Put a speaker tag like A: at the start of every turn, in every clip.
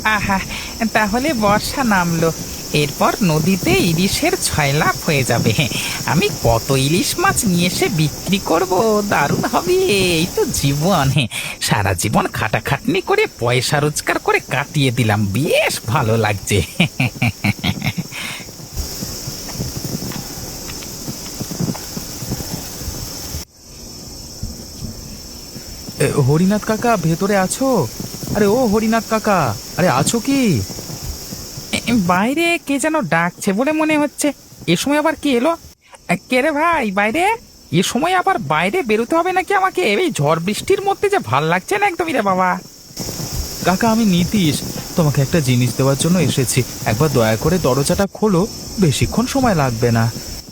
A: আহা, তাহলে বর্ষা নামলো, এরপর নদীতে ইলিশের ছয়লাভ হয়ে যাবে। আমি কত ইলিশ মাছ নিয়ে এসে বিক্রি করব, দারুণ হবে। এই তো জীবন, সারা জীবন খাটাখাটনি করে পয়সা রোজগার করে কাটিয়ে দিলাম, বেশ ভালো লাগছে।
B: হরিনাথ কাকা ভেতরে আছো? আরে ও হরিনাথ কাকা, আরে আছো কি?
A: বাইরে কে যেন ডাকছে বলে মনে হচ্ছে। এ সময় আবার কি এলো? কে রে ভাই বাইরে? এ সময় আবার বাইরে বেরোতে হবে নাকি আমাকে? এই ঝড় বৃষ্টির মধ্যে যে ভাল লাগছে না একদমই রে বাবা।
B: কাকা আমি নীতিশ, তোমাকে একটা জিনিস দেওয়ার জন্য এসেছি। একবার দয়া করে দরজাটা খোলো, বেশিক্ষণ সময় লাগবে না।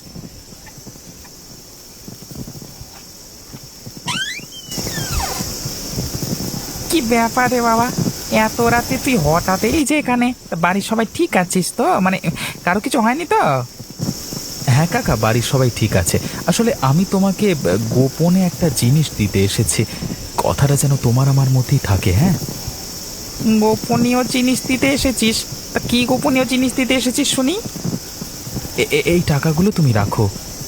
A: কি ব্যাপার রে বাবা, এত রাতে তুই হঠাৎ এই যে এখানে? তা বাড়ির সবাই ঠিক আছিস তো? মানে কারো কিছু হয়নি তো?
B: হ্যাঁ কাকা, বাড়ির সবাই ঠিক আছে। আসলে আমি তোমাকে গোপনে একটা জিনিস দিতে এসেছি। কথাটা যেন তোমার আমার মধ্যেই থাকে, হ্যাঁ?
A: গোপনীয় জিনিস দিতে এসেছিস? তা কি গোপনীয় জিনিস দিতে এসেছিস শুনি?
B: এই টাকাগুলো তুমি রাখো।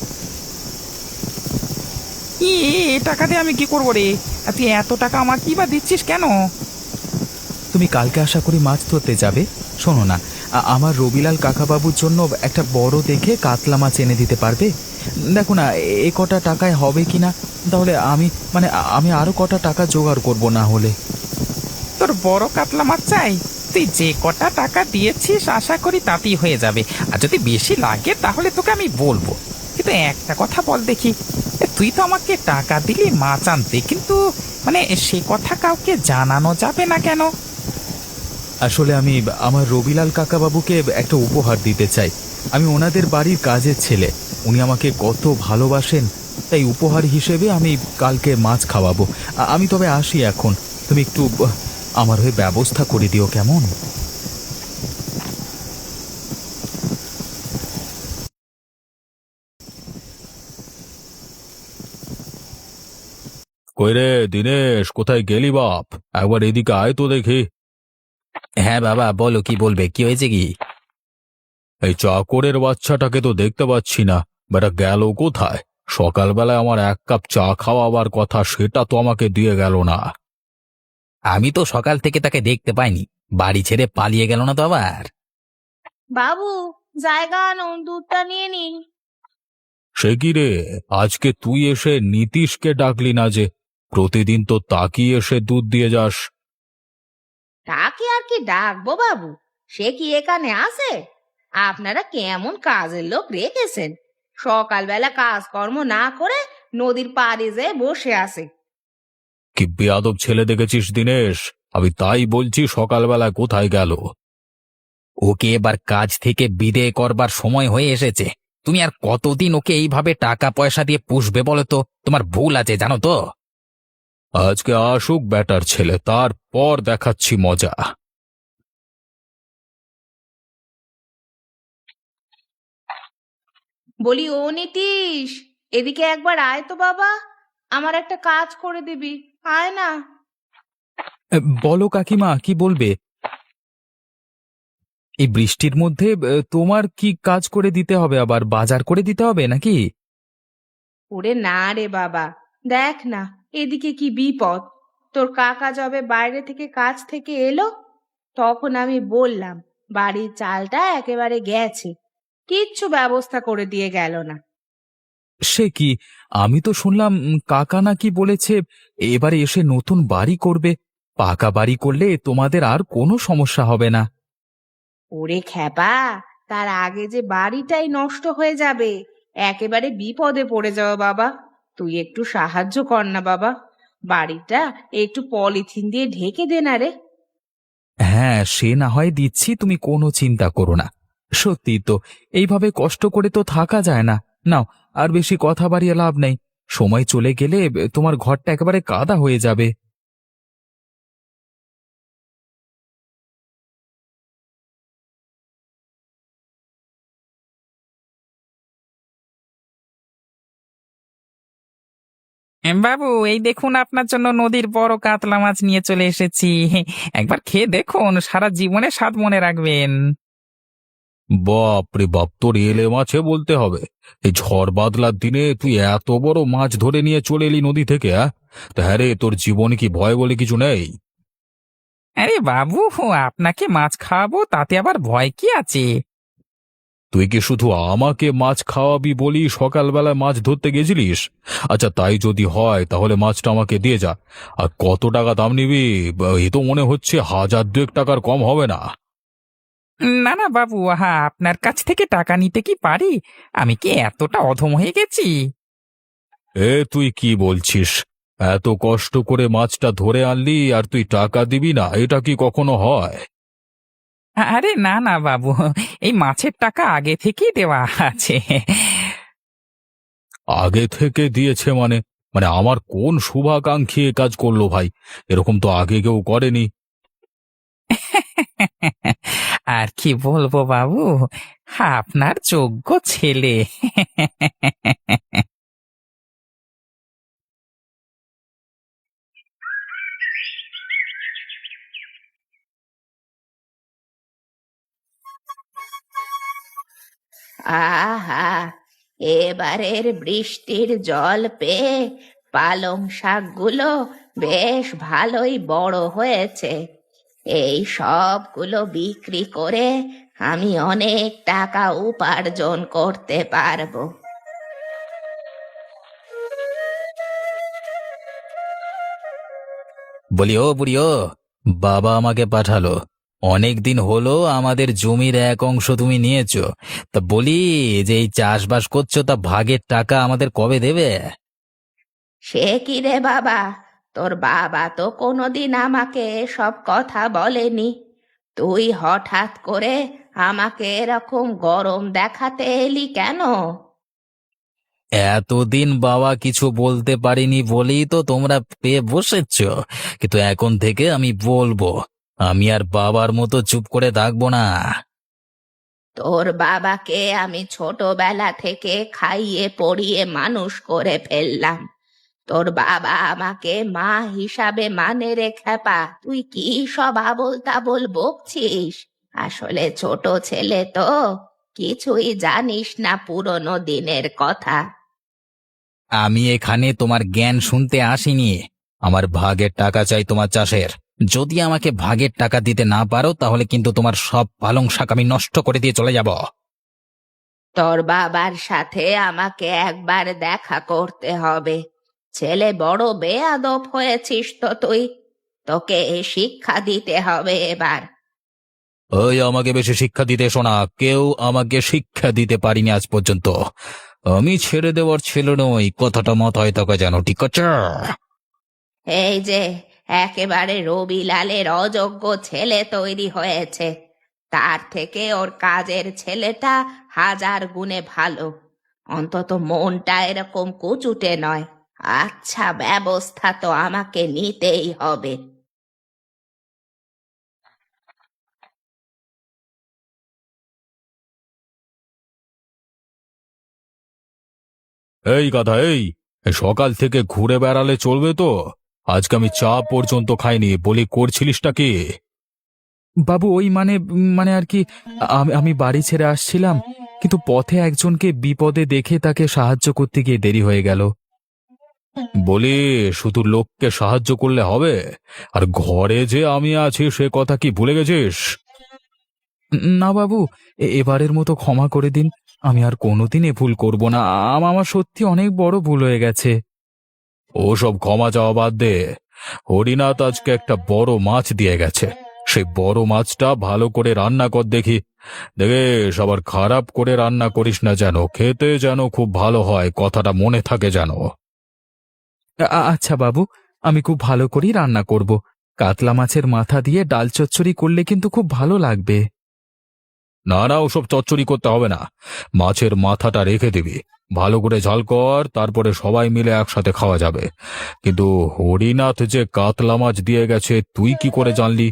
A: এ টাকা দিয়ে আমি কি করবো রে? আর তুই এত টাকা আমার কি বা দিচ্ছিস কেন?
B: তুমি কালকে আশা করি মাছ ধরতে যাবে। শোনো না, আমার রবিলাল কাকাবাবুর জন্য একটা বড় দেখে কাতলা মাছ এনে দিতে পারবে? দেখো না, এ কটা টাকায় হবে কি না। তাহলে আমি আরো কটা টাকা জোগাড় করব না হলে।
A: তোর বড় কাতলা মাছ চাই? তুই যে কটা টাকা দিয়েছিস আশা করি তাতেই হয়ে যাবে। আর যদি বেশি লাগে তাহলে তোকে আমি বলবো। কিন্তু একটা কথা বল দেখি, তুই তো আমাকে টাকা দিলি মাছ আনতে, কিন্তু মানে সে কথা কাউকে জানানো যাবে না কেন?
B: আসলে আমি আমার রবিলাল কাকাবাবুকে একটা উপহার দিতে চাই। আমি ওনাদের বাড়ির কাজের ছেলে, উনি আমাকে কত ভালোবাসেন। তাই উপহার হিসেবে আমি কালকে মাছ খাওয়াবো। আমি তবে আসি এখন। তুমি একটু আমার হয়ে ব্যবস্থা করে দিও, কেমন? কই রে দিনেশ, কোথায় গেলি বাপ? একবার এদিকে আয় তো দেখি।
A: হ্যাঁ বাবা, বলো কি বলবে, কি হয়েছে কি?
B: এই চাকরের বাচ্চাটাকে তো দেখতে পাচ্ছি না, বেটা গেল কোথায়? সকালবেলায় আমার এক কাপ চা খাওয়াবার কথা, সেটা তো আমাকে দিয়ে গেল না।
A: আমি তো সকাল থেকে তাকে দেখতে পাইনি। বাড়ি ছেড়ে পালিয়ে গেল না তো আবার?
C: বাবু, জায়গা আনুন, দুধটা নিয়ে নিন।
B: সে কি রে, আজকে তুই এসে নীতিশকে ডাকলি না যে? প্রতিদিন তো তাকিয়ে এসে দুধ দিয়ে যাস।
C: তাকে আর কি ডাকবো বাবু, সে কি এখানে আসে? আপনারা কেমন কাজের লোক রেখেছেন, সকালবেলা কাজকর্ম না করে নদীর পাড়ে যেয়ে বসে আসে।
B: কি বেয়াদব ছেলে দেখেছিস দিনেশ! আমি তাই বলছি, সকালবেলা কোথায় গেল?
A: ওকে এবার কাজ থেকে বিদেয় করবার সময় হয়ে এসেছে। তুমি আর কতদিন ওকে এইভাবে টাকা পয়সা দিয়ে পুষবে বলো তো? তোমার ভুল আছে জানো তো।
B: আজকে আসুক ব্যাটার ছেলে, তারপর দেখাচ্ছি মজা।
C: বলি ও নীতিশ, এদিকে একবার আয় তো বাবা, আমার একটা কাজ করে দিবি, আয় না।
B: বলো কাকিমা, কি বলবে? এই বৃষ্টির মধ্যে তোমার কি কাজ করে দিতে হবে? আবার বাজার করে দিতে হবে নাকি?
C: ওরে না রে বাবা, দেখ না এদিকে কি বিপদ। তোর কাকা যবে বাইরে থেকে কাজ থেকে এলো, তখন আমি বললাম বাড়ির চালটা একেবারে গেছে, কিচ্ছু ব্যবস্থা করে দিয়ে গেল না।
B: সে কি, আমি তো শুনলাম কাকা নাকি বলেছে এবারে এসে নতুন বাড়ি করবে। পাকা বাড়ি করলে তোমাদের আর কোনো সমস্যা হবে না।
C: ওরে খ্যাপা, তার আগে যে বাড়িটাই নষ্ট হয়ে যাবে, একেবারে বিপদে পড়ে যাওয়া বাবা। তুই একটু সাহায্য কর না বাবা, বাড়িটা একটু পলিথিন দিয়ে ঢেকে দে না রে।
B: হ্যাঁ, সে না হয় দিচ্ছি, তুমি কোনো চিন্তা করো না। সত্যি তো, এইভাবে কষ্ট করে তো থাকা যায় না। নাও, আর বেশি কথা বাড়িয়ে লাভ নেই। সময় চলে গেলে তোমার ঘরটা একেবারে কাদা হয়ে যাবে।
A: বাবু, এই দেখুন আপনার জন্য নদীর বড় কাতলা মাছ নিয়ে চলে এসেছি। একবার খেয়ে দেখুন, সারা জীবনে স্বাদ মনে রাখবেন।
B: বাপ রে বাপ, তোর এলে মাছে বলতে হবে। এই ঝড় বাদলার দিনে তুই এত বড় মাছ ধরে নিয়ে চলে এলি নদী থেকে, তা হ্যাঁ রে, তোর জীবনে কি ভয় বলে কিছু নেই?
A: আরে বাবু, আপনাকে মাছ খাওয়াবো, তাতে আবার ভয় কি আছে?
B: তুই কি শুধু আমাকে মাছ খাওয়াবি বলি সকালবেলায় মাছ ধরতে গেছিলিস? আচ্ছা, তাই যদি হয় তাহলে মাছটা আমাকে দিয়ে যা। আর কত টাকা দাম নিবি? এ তো মনে হচ্ছে 1,000-2,000 টাকার কম হবে না।
A: না না বাবু, আপনার কাছ থেকে টাকা নিতে কি পারি? আমি কি এতটা অধম হয়ে গেছি?
B: তুই কি বলছিস? এত কষ্ট করে মাছটা ধরে আনলি আর তুই টাকা দিবি না? এটা কি কখনো হয়?
A: আরে না না বাবু, এই মাছের টাকা আগে থেকেই দেওয়া আছে।
B: আগে থেকে দিয়েছে মানে? মানে আমার কোন শুভাকাঙ্ক্ষী এ কাজ করলো ভাই? এরকম তো আগে কেউ করেনি।
A: আর কি বলবো বাবু, আপনার যোগ্য ছেলে।
C: আহা, এবারের বৃষ্টির জল পেয়ে পালং শাকগুলো বেশ ভালোই বড় হয়েছে। এই সবগুলো বিক্রি করে আমি অনেক টাকা উপার্জন করতে পারবো।
B: বলি ও বুড়ি, ও বাবা আমাকে পাঠালো। অনেক দিন হলো আমাদের জমির এক অংশ তুমি নিয়েছো। তা বলি, যে এই চাষবাস করছো, তা ভাগের টাকা আমাদের কবে দেবে?
C: সে কি রে বাবা, তোর বাবা তো কোনোদিন আমাকে সব কথা বলেনি। তুই হঠাৎ করে আমাকে এরকম গরম দেখাতে এলি কেন?
B: এতদিন বাবা কিছু বলতে পারিনি বলেই তো তোমরা পেয়ে বসেছ। কিন্তু এখন থেকে আমি বলবো। আমি আর বাবার মতো চুপ করে থাকবো না।
C: তোর বাবাকে আমি ছোটবেলা থেকে খাইয়ে পড়িয়ে মানুষ করে ফেললাম। তোর বাবা আমাকে মা হিসাবে মানে রে খেপা, তুই কি সব আবোল তাবোল বকছিস? আসলে ছোট ছেলে তো, কিছুই জানিস না পুরনো দিনের কথা।
B: আমি এখানে তোমার জ্ঞান শুনতে আসিনি। আমার ভাগের টাকা চাই তোমার চাষের। যদি আমাকে ভাগের টাকা দিতে না পারো তাহলে কিন্তু তোমার সব পালং শাক আমি নষ্ট করে দিয়ে চলে যাব।
C: তোর বাবার সাথে আমাকে একবার দেখা করতে হবে। ছেলে বড় বেয়াদব হয়েছিস তো তুই, তোকে শিক্ষা দিতে হবে এবার।
B: ওই, আমাকে বেশি শিক্ষা দিতে এসো না। কেউ আমাকে শিক্ষা দিতে পারিনি আজ পর্যন্ত। আমি ছেড়ে দেওয়ার ছেলে নই, কথাটা মাথায় থাকা যেন, ঠিক আছে?
C: এই যে একেবারে রবিলালের অযোগ্য ছেলে তৈরি হয়েছে, তার থেকে ওর কাজের ছেলেটা 1000 গুণে ভালো। অন্তত মনটা এরকম কুচুটে নয়। আচ্ছা, ব্যবস্থা তো আমাকে নিতেই হবে।
B: এই গাধা, এই এই সকাল থেকে ঘুরে বেড়ালে চলবে তো? আজকে আমি চা পর্যন্ত খাইনি, বলি করছিলিসটা কি? বাবু, ওই মানে মানে আর কি, আমি আমি বাড়ি ছেড়ে আসছিলাম, কিন্তু পথে একজনকে বিপদে দেখে তাকে সাহায্য করতে গিয়ে দেরি হয়ে গেল। বলি, শুধু লোককে সাহায্য করলে হবে? আর ঘরে যে আমি আছি সে কথা কি ভুলে গেছিস? না বাবু, এবারের মতো ক্ষমা করে দিন। আমি আর কোনোদিন এ ভুল করব না। আমার সত্যি অনেক বড় ভুল হয়ে গেছে। ওসব ক্ষমা চাওয়া বাদ দে। হরিনাথ আজকে একটা বড় মাছ দিয়ে গেছে। সেই বড় মাছটা ভালো করে রান্না কর দেখি। দেখে সবার খারাপ করে রান্না করিস না যেন, খেতে যেন খুব ভালো হয়, কথাটা মনে থাকে যেন। আচ্ছা বাবু, আমি খুব ভালো করেই রান্না করব। কাতলা মাছের মাথা দিয়ে ডাল চচ্চড়ি করলে কিন্তু খুব ভালো লাগবে। না না, ওসব চচ্চড়ি করতে হবে না। মাছের মাথাটা রেখে দিবি। ভালো করে ঝাল কর, তারপরে সবাই মিলে একসাথে খাওয়া যাবে। কিন্তু হরিনাথ যে কাতলা মাছ দিয়ে গেছে, তুই কি করে জানলি?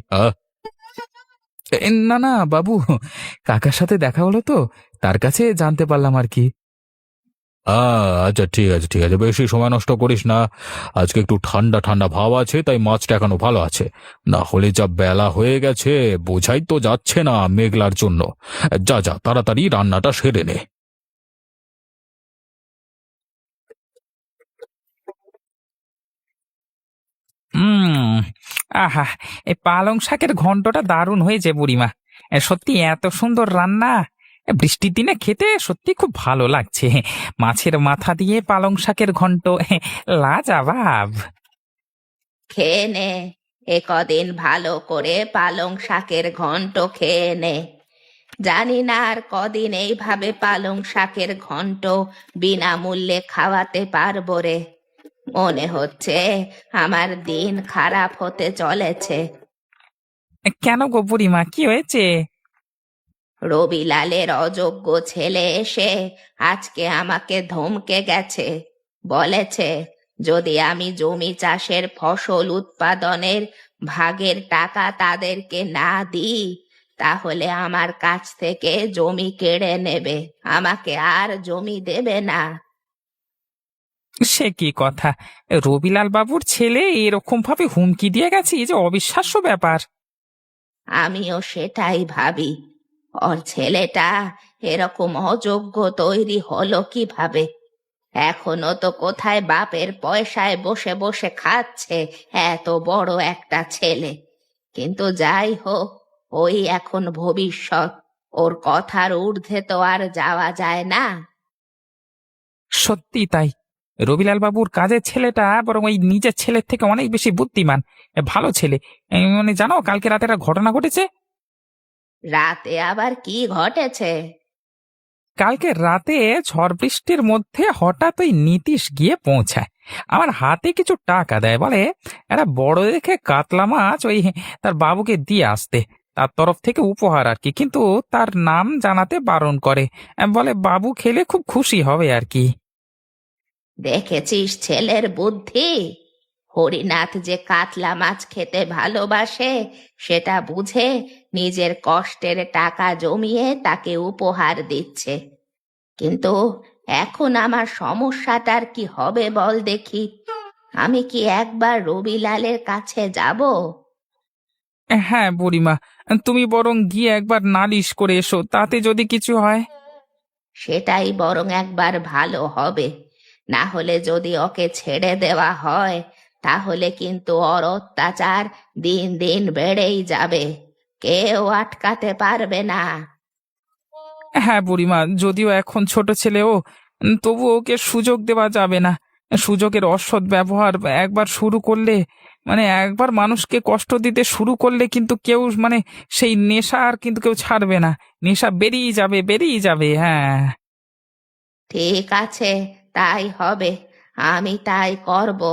B: না না বাবু, কাকার সাথে দেখা হলো তো, তার কাছে জানতে পারলাম আর কি। আচ্ছা, ঠিক আছে, ঠিক আছে, বেশি সময় নষ্ট করিস না। আজকে একটু ঠান্ডা ঠান্ডা ভাব আছে, তাই মাছটা এখনো ভালো আছে। না হলে যা বেলা হয়ে গেছে, বোঝাই তো যাচ্ছে না মেঘলার জন্য। যা যা, তাড়াতাড়ি রান্নাটা সেরে নে।
A: হুম। আহা, এই পালং শাকের ঘন্টটা দারুণ হয়েছে বুড়িমা। সত্যি এত সুন্দর রান্না। বৃষ্টির দিনে খেতে সত্যি খুব ভালো লাগছে। মাছের মাথা দিয়ে পালং শাকের ঘন্ট, লাজবাব।
C: খেয়ে নে, এ কদিন ভালো করে পালং শাকের ঘন্ট খেয়ে নে। জানি না আর কদিন এইভাবে পালং শাকের ঘন্ট বিনামূল্যে খাওয়াতে পারবো রে। মনে হচ্ছে আমার দিন খারাপ হতে চলেছে।
A: কেন গো বুড়িমা, কি হয়েছে?
C: রবিলালের অযোগ্য ছেলে এসে আজকে আমাকে ধমকে গেছে। বলেছে যদি আমি জমি চাষের ফসল উৎপাদনের ভাগের টাকা তাদেরকে না দিই, তাহলে আমার কাছ থেকে জমি কেড়ে নেবে, আমাকে আর জমি দেবে না।
A: সে কি কথা! রবিলাল বাবুর ছেলে এরকম ভাবে হুমকি দিয়ে গেছে, এই যে অবিশ্বাস্য ব্যাপার।
C: আমিও সেটাই ভাবি। ওর ছেলেটা এরকম অযোগ্য তৈরি হলো কিভাবে? এখনো তো কোথায় বাপের পয়সায় বসে বসে খাচ্ছে এত বড় একটা ছেলে। কিন্তু যাই হোক, ওই এখন ভবিষ্যৎ, ওর কথার ঊর্ধ্বে তো আর যাওয়া যায় না।
A: সত্যি তাই। রবিলাল বাবুর কাজের ছেলেটা বরং ওই নিজের ছেলের থেকে অনেক বেশি বুদ্ধিমান। ভালো ছেলে। মানে জানো, কালকে রাতে একটা ঘটনা ঘটেছে।
C: রাতে আবার কি ঘটেছে?
A: কালকে রাতে ঝড় বৃষ্টির মধ্যে হঠাৎ ওই নীতিশ গিয়ে পৌঁছায়। আমার হাতে কিছু টাকা দেয়, বলে একটা বড় দেখে কাতলা মাছ ওই তার বাবুকে দিয়ে আসতে, তার তরফ থেকে উপহার আর কি, কিন্তু তার নাম জানাতে বারণ করে। বলে বাবু খেলে খুব খুশি হবে আর কি।
C: দেখেছিস ছেলের বুদ্ধি? হরিনাথ যে কাতলা মাছ খেতে ভালোবাসে সেটা বুঝে নিজের কষ্টের টাকা জমিয়ে তাকে উপহার দিচ্ছে। কিন্তু এখন আমার সমস্যাটার কি হবে বল দেখি। আমি কি একবার রবিলালের কাছে যাব?
A: হ্যাঁ বুড়িমা, তুমি বরং গিয়ে একবার নালিশ করে এসো, তাতে যদি কিছু হয়।
C: সেটাই বরং একবার ভালো হবে। না হলে যদি ওকে ছেড়ে দেওয়া হয়, তাহলে কিন্তু ওর অত্যাচার দিন দিন বেড়েই যাবে, কেউ আটকাতে পারবে না।
A: হ্যাঁ বুড়িমা, যদিও এখন ছোট ছেলেও, তবু ওকে সুযোগ দেওয়া যাবে না। সুযোগের অসৎ ব্যবহার একবার শুরু করলে, মানে একবার মানুষকে কষ্ট দিতে শুরু করলে কিন্তু কেউ, মানে সেই নেশা আর কিন্তু কেউ ছাড়বে না। নেশা বেরিয়ে যাবে, বেরিয়ে যাবে, হ্যাঁ।
C: ঠিক আছে, তাই হবে, আমি তাই করব।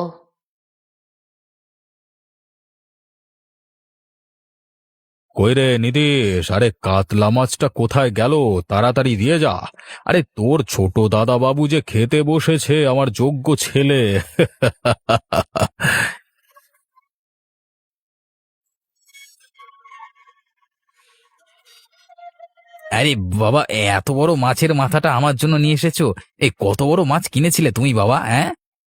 B: কই রে নীতিশ, আরে কাতলা মাছটা কোথায় গেল? তাড়াতাড়ি দিয়ে যা। আরে তোর ছোট দাদা বাবু যে খেতে বসেছে, আমার যোগ্য ছেলে। আরে বাবা, এত বড় মাছের মাথাটা আমার জন্য নিয়ে এসেছো? এই কত বড় মাছ কিনেছিলে তুমি বাবা, হ্যাঁ?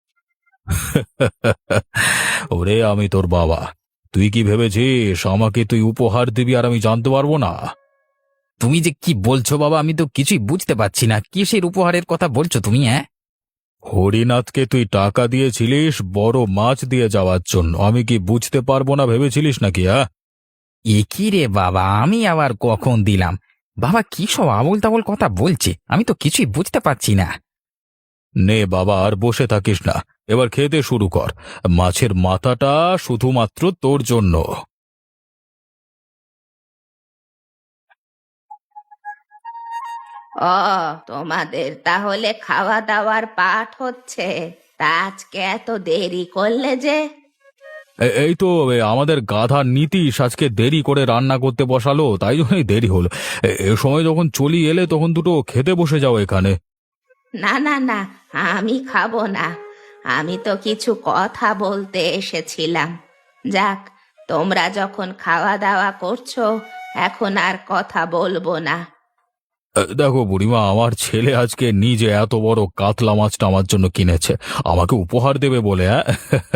B: ওরে আমি তোর বাবা, তুই কি ভেবেছিস আমাকে তুই উপহার দিবি আর আমি জানতে পারবো না? তুমি যে কি বলছো বাবা, আমি তো কিছুই বুঝতে পারছি না, কিসের উপহারের কথা বলছো তুমি, হ্যাঁ? হরিনাথকে তুই টাকা দিয়েছিলিস বড় মাছ দিয়ে যাওয়ার জন্য, আমি কি বুঝতে পারবো না ভেবেছিলিস নাকি, হ্যাঁ? এ কি রে বাবা, আমি আবার কখন দিলাম? বাবা কি সব আবোল তাবোল কথা বলছে, আমি তো কিছুই বুঝতে পারছি না। নে বাবা, আর বসে থাকিস না, এবার খেতে শুরু কর। মাছের মাথাটা শুধুমাত্র তোর জন্য।
C: ও, তোমাদের তাহলে খাওয়া দাওয়ার পাঠ হচ্ছে? তা আজকে এত দেরি করলে যে?
B: এই তো আমাদের গাধা নীতিশ আজকে দেরি করে রান্না করতে বসালো, তাই জন্যই দেরি হলো। এ সময় যখন চলি এলে তখন দুটো খেতে বসে যাও এখানে।
C: না না না, আমি খাবো না। আমি তো কিছু কথা বলতে এসেছিলাম। যাক, তোমরা যখন খাওয়া দাওয়া করছো, এখন আর কথা বলবো না।
B: দেখো বুড়িমা, আমার ছেলে আজকে নিজে এত বড় কাতলা মাছটা আমার জন্য কিনেছে, আমাকে উপহার দেবে বলে। হ্যাঁ।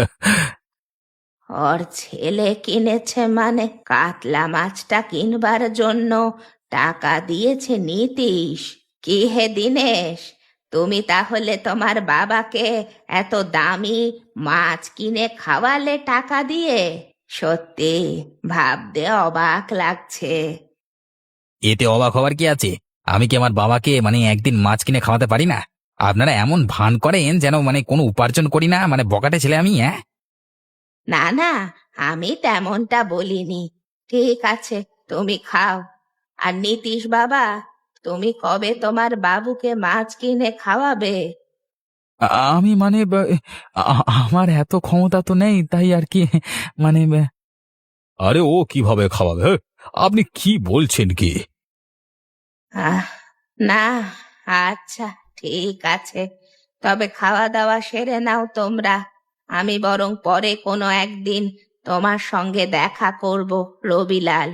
C: ওর ছেলে কিনেছে মানে কাতলা মাছটা কিনবার জন্য টাকা দিয়েছে নীতিশ? কি হে দিনেশ, তুমি তাহলে তোমার বাবাকে এত দামি মাছ কিনে খাওয়ালে টাকা দিয়ে? সত্যি ভাবতে অবাক লাগছে।
A: এতে অবাক হওয়ার কি আছে? আমি কি আমার বাবাকে একদিন মাছ কিনে খাওয়াতে পারি না? আপনারা এমন ভান করেন যেন কোনো উপার্জন করি না, বকাটে ছেলে আমি, হ্যাঁ?
C: না না, আমি তেমনটা বলিনি। ঠিক আছে, তুমি খাও। আর নীতিশ বাবা, তুমি কবে তোমার বাবুকে মাছ কিনে খাওয়াবে?
B: আমি আমার এত ক্ষমতা তো নেই, তাই আর কি। মানে আরে ও কিভাবে খাওয়াবে? হ্যাঁ? আপনি কি বলছেন কি?
C: আহ না, আচ্ছা, ঠিক আছে, তবে খাওয়া দাওয়া সেরে নাও তোমরা। আমি বরং পরে কোনো একদিন তোমার সঙ্গে দেখা করব, রবিলাল।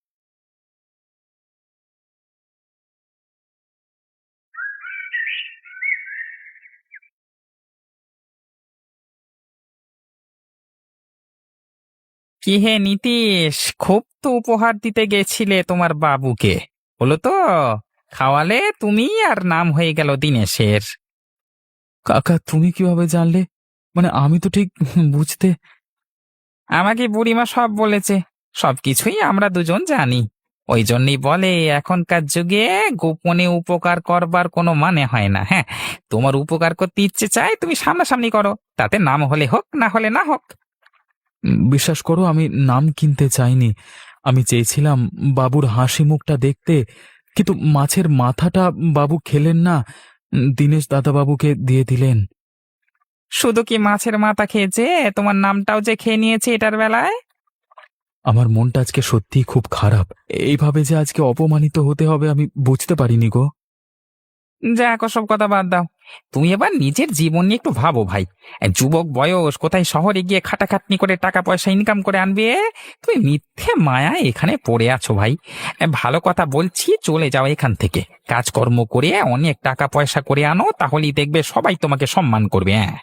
A: কি হে নীতিশ, খুব তো উপহার দিতে গেছিলে তোমার বাবুকে, হলো তো? খাওয়ালে তুমি, আর নাম হয়ে গেল দিনেশের।
B: কাকা, তুমি কিভাবে জানলে? আমি তো ঠিক বুঝতে।
A: আমাকে বুড়িমা সব বলেছে। সবকিছুই আমরা দুজন জানি। ওই জন্যই বলে এখনকার যুগে গোপনে উপকার করবার কোনো মানে হয় না। হ্যাঁ, তোমার উপকার করতে ইচ্ছে চাই, তুমি সামনাসামনি করো, তাতে নাম হলে হোক, না হলে না হোক।
B: বিশ্বাস করো, আমি নাম কিনতে চাইনি। আমি চেয়েছিলাম বাবুর হাসি মুখটা দেখতে, কিন্তু মাছের মাথাটা বাবু খেলেন না, দীনেশ দাদাবাবুকে দিয়ে দিলেন।
A: শুধু কি মাছের মাথা খেয়েছে, তোমার নামটাও যে খেয়ে নিয়েছে এটার বেলায়।
B: আমার মনটা আজকে সত্যিই খুব খারাপ। এইভাবে যে আজকে অপমানিত হতে হবে আমি বুঝতে পারিনি গো।
A: যাক, ওসব কথা বাদ দাও। তুমি এবার নিজের জীবন নিয়ে একটু ভাবো ভাই। যুবক বয়স, কোথায় শহরে গিয়ে খাটাখাটনি করে টাকা পয়সা ইনকাম করে আনবে? তুমি মিথ্যে মায়া এখানে পড়ে আছো ভাই। ভালো কথা বলছি, চলে যাও এখান থেকে। কাজকর্ম করে অনেক টাকা পয়সা করে আনো, তাহলেই দেখবে সবাই তোমাকে সম্মান করবে। হ্যাঁ,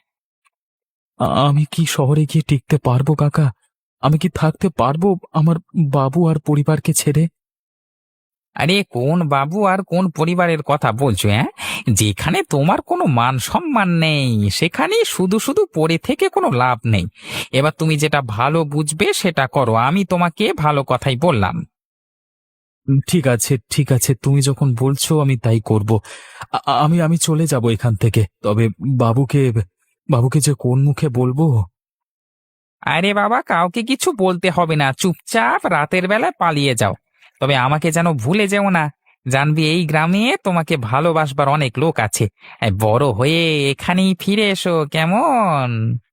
B: আমি কি শহরে গিয়ে টিকতে পারবো কাকা? আমি কি থাকতে পারবো আমার বাবু আর পরিবারকে ছেড়ে?
A: আরে কোন বাবু আর কোন পরিবারের কথা বলছো? হ্যাঁ, যেখানে তোমার কোনো মান সম্মান নেই, সেখানে শুধু শুধু পড়ে থেকে কোনো লাভ নেই। এবার তুমি যেটা ভালো বুঝবে সেটা করো, আমি তোমাকে ভালো কথাই বললাম।
B: ঠিক আছে, ঠিক আছে, তুমি যখন বলছো আমি তাই করব। আমি আমি চলে যাব এখান থেকে। তবে বাবুকে বাবুকে যে কোন মুখে বলবো?
A: আরে বাবা, কাউকে কিছু বলতে হবে না, চুপচাপ রাতের বেলায় পালিয়ে যাও। তবে আমাকে যেন ভুলে যেও না। জানবি এই গ্রামে তোমাকে ভালোবাসবার অনেক লোক আছে। বড় হয়ে এখানেই ফিরে এসো, কেমন?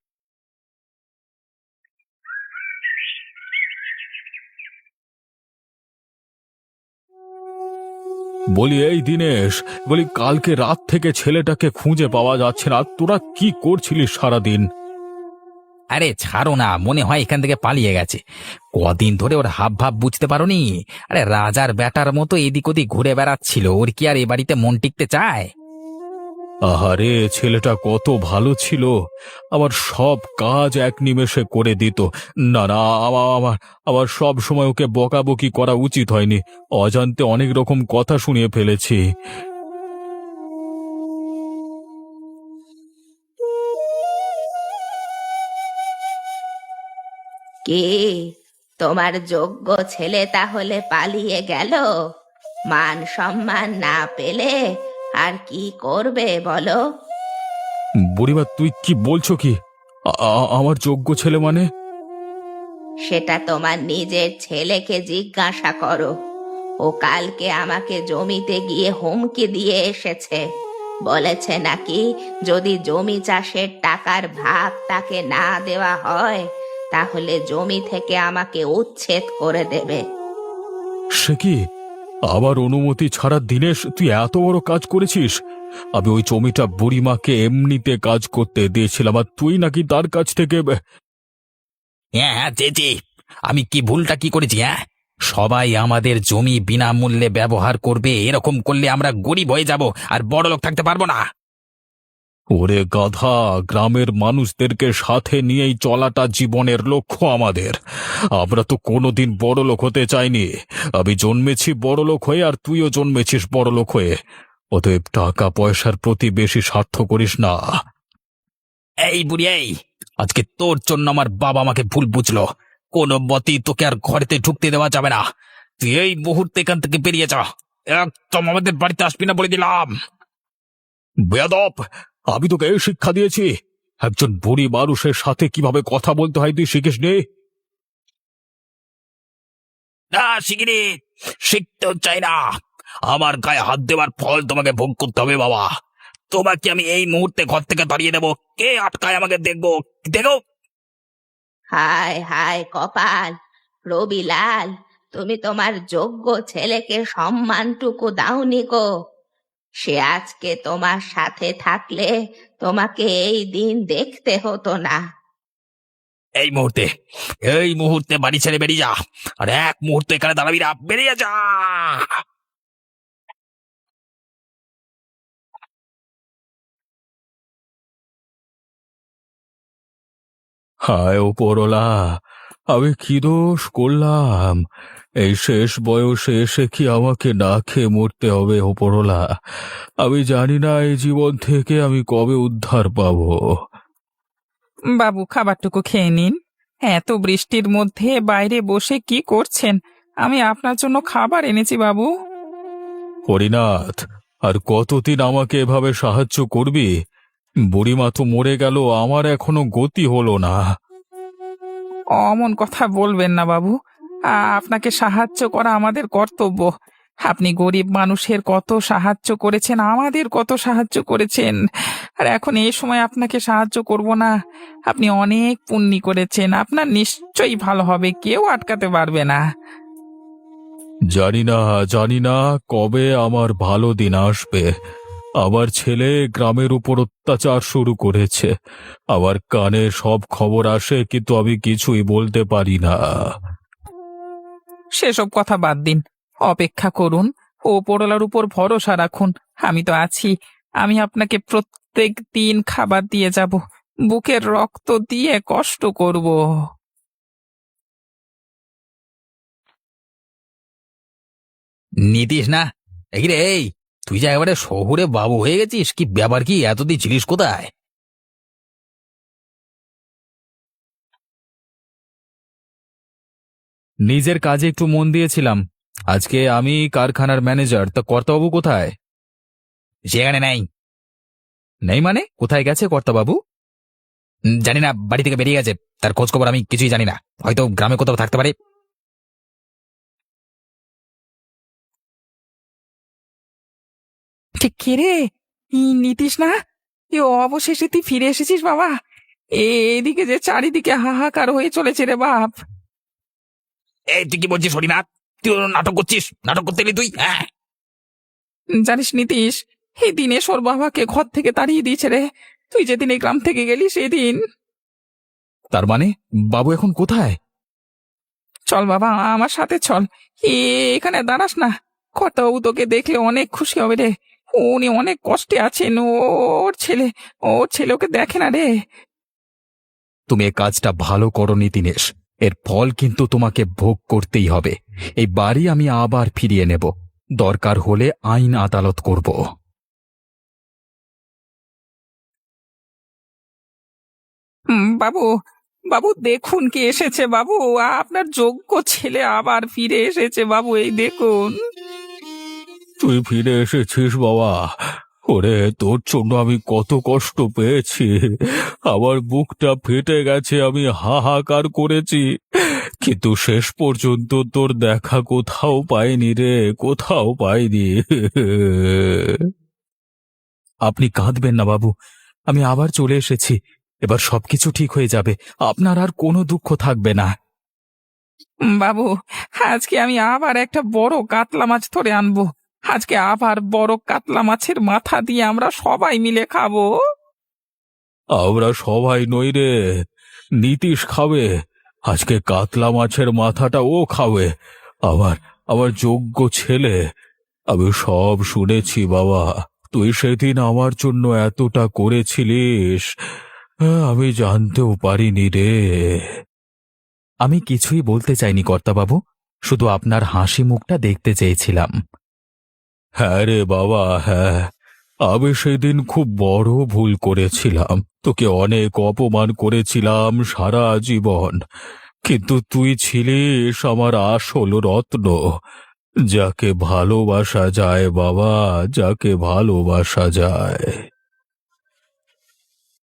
B: বলি এই দিনেশ, বলি কালকে রাত থেকে ছেলেটাকে খুঁজে পাওয়া যাচ্ছে না। তোরা কি করছিলিস সারাদিন?
A: আরে ছাড়ো না, মনে হয় এখান থেকে পালিয়ে গেছে। কদিন ধরে ওর হাব ভাব বুঝতে পারোনি? আরে রাজার বেটার মতো এদিক ওদিক ঘুরে বেড়াচ্ছিল, ওর কি আর এ বাড়িতে মন টিকতে চায়?
B: আহারে, ছেলেটা কত ভালো ছিল, আবার সব কাজ এক নিমেষে করে দিত। না না, আমার আবার সব সময় ওকে বকাবকি করা উচিত হয়নি। অজান্তে অনেক রকম কথা শুনিয়ে ফেলেছি।
C: কি, তোমার যোগ্য ছেলে তাহলে পালিয়ে গেল? মান সম্মান না পেলে আর কি করবে বলো?
B: বুড়িমা, তুই কি বলছো কি? আমার যোগ্য ছেলে মানে?
C: সেটা তোমার নিজের ছেলেকে জিজ্ঞাসা করো। ও কালকে আমাকে জমিতে গিয়ে হুমকি দিয়ে এসেছে। বলেছে নাকি যদি জমি চাষের টাকার ভাগ তাকে না দেওয়া হয়, তাহলে জমি থেকে আমাকে উচ্ছেদ করে দেবে।
B: সে কি? আবার অনুমতি ছাড়া দিনেশ তুই এত বড় কাজ করেছিস? আমি ওই জমিটা বুড়িমাকে এমনিতে কাজ করতে দিয়েছিলাম, আর তুই নাকি তার কাছ থেকে
A: হ্যাঁ হ্যাঁ, চেয়েছি। আমি কি ভুলটা কি করেছি? হ্যাঁ, সবাই আমাদের জমি বিনামূল্যে ব্যবহার করবে, এরকম করলে আমরা গরিব হয়ে যাব আর বড়লোক থাকতে পারবো না।
B: ওরে গাধা, গ্রামের মানুষদেরকে সাথে নিয়েই চলাটা জীবনের লক্ষ্য আমাদের। আমরা তো কোনোদিন বড়লোক হতে চাইনি। আমি জন্মেছি বড়লোক হয়ে, আর তুইও জন্মেছিস বড়লোক হয়ে। অতএব টাকা পয়সার প্রতি বেশি স্বার্থ করিস না।
A: এই বুড়ি, এই আজকে তোর জন্য আমার বাবা আমাকে ভুল বুঝলো। কোনো মতেই তোকে আর ঘরেতে ঢুকতে দেওয়া যাবে না। তুই এই মুহূর্তে এখান থেকে বেরিয়ে যা, একদম আমাদের বাড়িতে আসবি না বলে দিলাম।
B: বেয়াদব, আমি তোকে এই শিক্ষা দিয়েছি। একজন বুড়ি মানুষের সাথে কিভাবে কথা বলতে হয় তুই শিখিস নি?
A: না শিখিনি, শিখতেও চাই না। আমার গায়ে হাত দেওয়ার ফল তোমাকে ভোগ করতে হবে বাবা। তোমাকে আমি এই মুহূর্তে ঘর থেকে তাড়িয়ে দেবো। কে আটকায় আমাকে দেখবো, দেখো।
C: হায় হায় কপাল, রবিলাল, তুমি তোমার যোগ্য ছেলেকে সম্মানটুকু দাওনি গো। সে আজকে তোমার সাথে থাকলে তোমাকে এই দিন দেখতে হতো না।
A: এই মুহূর্তে, এই মুহূর্তে বাড়ি ছেড়ে বেরিয়ে যা, আর এক মুহূর্তে এখানে দাঁড়াবি না, বেরিয়ে যা।
B: হায় ওপরওয়ালা, আমি কি দোষ করলাম? এই শেষ বয়সে এসে কি আমাকে না খেয়ে মরতে হবে ওপরওয়ালা? আমি জানি না এই জীবন থেকে আমি কবে উদ্ধার পাবো।
D: বাবু, খাবারটুকু খেয়ে নিন। এত বৃষ্টির মধ্যে বাইরে বসে কি করছেন? আমি আপনার জন্য খাবার এনেছি বাবু।
B: হরিনাথ, আর কতদিন আমাকে এভাবে সাহায্য করবি? বুড়িমা তো মরে গেল, আমার এখনো গতি হলো না।
D: অমন কথা বলবেন না বাবু। আপনাকে সাহায্য করা আমাদের কর্তব্য। আপনি গরিব মানুষের কত সাহায্য করেছেন, আমাদের কত সাহায্য করেছেন। আর এখন এই সময় আপনাকে সাহায্য করব না? আপনি অনেক পুণ্যি করেছেন, আপনার নিশ্চয়ই ভালো হবে, কেউ আটকাতে পারবে না।
B: জানি না, জানি না কবে আমার ভালো দিন আসবে। আমার ছেলে গ্রামের উপর অত্যাচার শুরু করেছে। আমার কানে সব খবর আসে, কিন্তু আমি কিছুই বলতে পারি না।
D: সেসব কথা বাদ দিন, অপেক্ষা করুন, ওপরওয়ালার উপর ভরসা রাখুন। আমি তো আছি। আমি আপনাকে প্রত্যেক দিন খাবার দিয়ে যাব, বুকের রক্ত দিয়ে কষ্ট করব।
A: নিতিস না? এই রে, এই তুই যা এবারে শহুরে বাবু হয়ে গেছিস, কি ব্যাপার? কি এতদিন ছিলিস কোথায়?
B: নিজের কাজে একটু মন দিয়েছিলাম। আজকে আমি কারখানার ম্যানেজার, তা কর্তাবাবু কোথায়?
A: সেখানে নাই।
B: নেই মানে? কোথায় গেছে কর্তাবাবু?
A: জানি না, বাড়ি থেকে বেরিয়ে গেছে। তার খোঁজ খবর আমি কিছুই জানি না। হয়তো গ্রামে কোথাও থাকতে পারে।
D: ঠিক কে রে? নীতিশ না? অবশেষে তুই ফিরে এসেছিস বাবা। এদিকে যে চারিদিকে হাহাকার হয়ে চলেছে রে বাপ।
A: এই তুই কি বলছিস হরিনাথ? তুই নাটক করছিস? নাটক করতে এলি তুই? হ্যাঁ,
D: জানিস নীতিশ, এই দিনে ওর বাবাকে ঘর থেকে তাড়িয়ে দিয়েছে রে। তুই যেদিন এই গ্রাম থেকে গেলি সেদিন।
B: তার মানে বাবু এখন কোথায়?
D: চল বাবা, আমার সাথে চল। এখানে দাঁড়াস না। কর্তাবাবু তোকে দেখলে অনেক খুশি হবে রে। উনি অনেক কষ্টে আছেন। ওর ছেলে ওকে দেখে না রে।
B: তুমি এই কাজটা ভালো করনি দিনেশ। এর ফল কিন্তু তোমাকে ভোগ করতেই হবে। এই বাড়ি আমি আবার ফিরিয়ে নেব, দরকার হলে আইন আদালত করব।
D: বাবু, বাবু দেখুন কে এসেছে বাবু। আপনার যোগ্য ছেলে আবার ফিরে এসেছে বাবু, এই দেখুন।
B: তুই ফিরে এসেছিস বাবা। ওরে, তোর জন্য আমি কত কষ্ট পেয়েছি। আমার বুকটা ফেটে গেছে, আমি হাহাকার করেছি, কিন্তু শেষ পর্যন্ত তোর দেখা কোথাও পাইনি রে, কোথাও পাইনি। আপনি কাঁদবেন না বাবু, আমি আবার চলে এসেছি। এবার সবকিছু ঠিক হয়ে যাবে, আপনার আর কোনো দুঃখ থাকবে না।
D: বাবু, আজকে আমি আবার একটা বড় কাতলা মাছ ধরে আনবো। আজকে আবার বড় কাতলা মাছের মাথা দিয়ে আমরা সবাই মিলে খাবো।
B: আমরা সবাই নই রে, নীতিশ খাবে। আজকে কাতলা মাছের মাথাটা ও খাবে, আমার আমার যোগ্য ছেলে। আমি সব শুনেছি বাবা। তুই সেদিন আমার জন্য এতটা করেছিলিস, আমি জানতেও পারিনি রে। আমি কিছুই বলতে চাইনি কর্তাবাবু, শুধু আপনার হাসি মুখটা দেখতে চেয়েছিলাম। হ্যাঁ রে বাবা, হ্যাঁ, আমি সেদিন খুব বড় ভুল করেছিলাম। তোকে অনেক অপমান করেছিলাম সারা জীবন, কিন্তু তুই ছিলিস আমার আসল রত্ন, যাকে ভালোবাসা যায় বাবা, যাকে ভালোবাসা যায়।